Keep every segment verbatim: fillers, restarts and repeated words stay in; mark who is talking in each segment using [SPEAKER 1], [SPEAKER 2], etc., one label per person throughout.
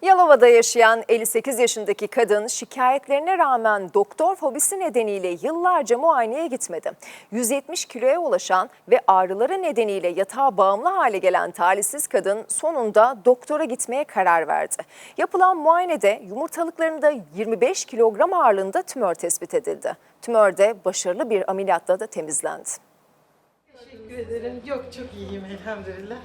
[SPEAKER 1] Yalova'da yaşayan elli sekiz yaşındaki kadın şikayetlerine rağmen doktor fobisi nedeniyle yıllarca muayeneye gitmedi. yüz yetmiş kiloya ulaşan ve ağrıları nedeniyle yatağa bağımlı hale gelen talihsiz kadın sonunda doktora gitmeye karar verdi. Yapılan muayenede yumurtalıklarında yirmi beş kilogram ağırlığında tümör tespit edildi. Tümör de başarılı bir ameliyatla da temizlendi.
[SPEAKER 2] Teşekkür ederim. Yok, çok iyiyim elhamdülillah.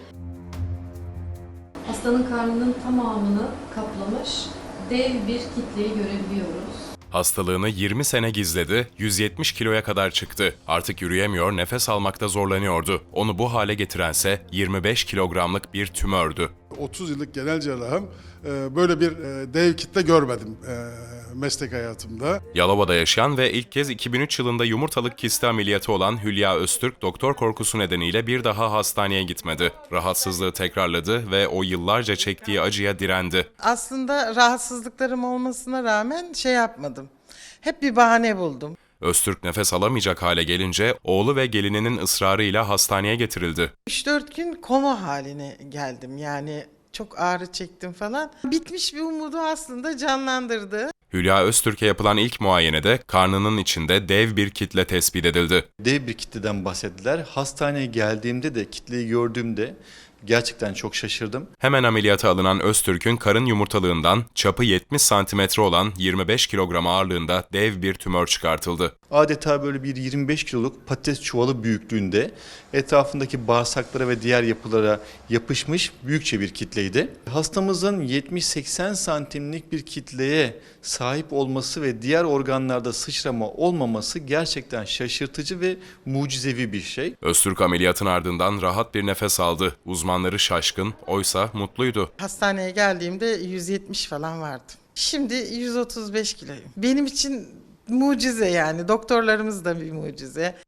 [SPEAKER 3] Hastanın karnının tamamını kaplamış dev bir kitleyi görebiliyoruz.
[SPEAKER 4] Hastalığını yirmi sene gizledi, yüz yetmiş kiloya kadar çıktı. Artık yürüyemiyor, nefes almakta zorlanıyordu. Onu bu hale getirense yirmi beş kilogramlık bir tümördü.
[SPEAKER 5] otuz yıllık genel cerrahım, böyle bir dev kitle görmedim meslek hayatımda.
[SPEAKER 4] Yalova'da yaşayan ve ilk kez iki bin üç yılında yumurtalık kisti ameliyatı olan Hülya Öztürk, doktor korkusu nedeniyle bir daha hastaneye gitmedi. Rahatsızlığı tekrarladı ve o yıllarca çektiği acıya direndi.
[SPEAKER 2] Aslında rahatsızlıklarım olmasına rağmen şey yapmadım. Hep bir bahane buldum.
[SPEAKER 4] Öztürk nefes alamayacak hale gelince oğlu ve gelininin ısrarıyla hastaneye getirildi.
[SPEAKER 2] üç dört gün koma haline geldim. Yani çok ağrı çektim falan. Bitmiş bir umudu aslında canlandırdı.
[SPEAKER 4] Hülya Öztürk'e yapılan ilk muayenede karnının içinde dev bir kitle tespit edildi.
[SPEAKER 6] Dev bir kitleden bahsettiler. Hastaneye geldiğimde de kitleyi gördüğümde gerçekten çok şaşırdım.
[SPEAKER 4] Hemen ameliyata alınan Öztürk'ün karın yumurtalığından çapı yetmiş santimetre olan yirmi beş kilogram ağırlığında dev bir tümör çıkartıldı.
[SPEAKER 6] Adeta böyle bir yirmi beş kiloluk patates çuvalı büyüklüğünde etrafındaki bağırsaklara ve diğer yapılara yapışmış büyükçe bir kitleydi. Hastamızın yetmiş seksen santimlik bir kitleye sahip olması ve diğer organlarda sıçrama olmaması gerçekten şaşırtıcı ve mucizevi bir şey.
[SPEAKER 4] Öztürk ameliyatın ardından rahat bir nefes aldı. Uzmanları şaşkın, oysa mutluydu.
[SPEAKER 2] Hastaneye geldiğimde yüz yetmiş falan vardım. Şimdi yüz otuz beş kiloyum. Benim için mucize yani. Doktorlarımız da bir mucize.